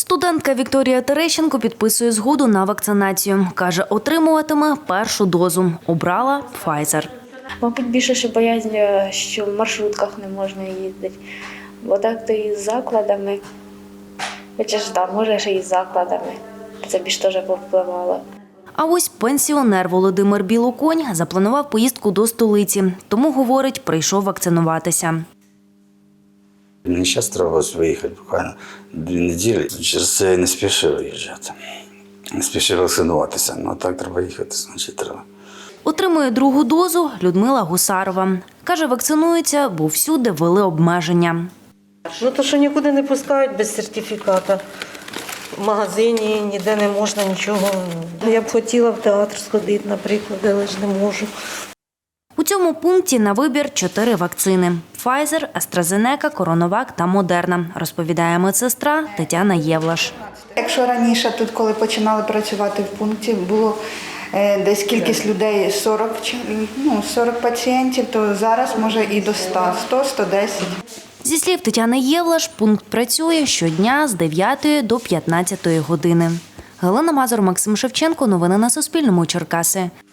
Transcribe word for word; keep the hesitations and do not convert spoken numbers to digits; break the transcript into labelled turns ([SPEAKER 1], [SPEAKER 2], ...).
[SPEAKER 1] Студентка Вікторія Терещенко підписує згоду на вакцинацію. Каже, отримуватиме першу дозу. Обрала Pfizer.
[SPEAKER 2] Мабуть, більше ще боязнь, що в маршрутках не можна їздити. Бо так то і з закладами. Хоча ж так, може ще і з закладами. Це більш теж повпливало.
[SPEAKER 1] А ось пенсіонер Володимир Білоконь запланував поїздку до столиці. Тому, говорить, прийшов вакцинуватися.
[SPEAKER 3] Мені зараз треба виїхати буквально дві неділі. Через це я не спішив виїжджати. Не спішив вакцинуватися. Ну так треба їхати, значить треба.
[SPEAKER 1] Отримує другу дозу Людмила Гусарова. Каже, вакцинується, бо всюди ввели обмеження.
[SPEAKER 4] Ну, то, що нікуди не пускають без сертифіката. В магазині ніде не можна нічого. Я б хотіла в театр сходити, наприклад, але ж не можу.
[SPEAKER 1] У цьому пункті на вибір чотири вакцини – Pfizer, AstraZeneca, CoronaVac та Moderna, розповідає медсестра Тетяна Євлаш.
[SPEAKER 5] Якщо раніше тут, коли починали працювати в пункті, було е, десь кількість людей сорок, ну, сорок пацієнтів, то зараз може і до ста, сто - сто десять.
[SPEAKER 1] Зі слів Тетяни Євлаш, пункт працює щодня з дев'ятої до п'ятнадцятої години. Галина Мазур, Максим Шевченко. Новини на Суспільному. Черкаси.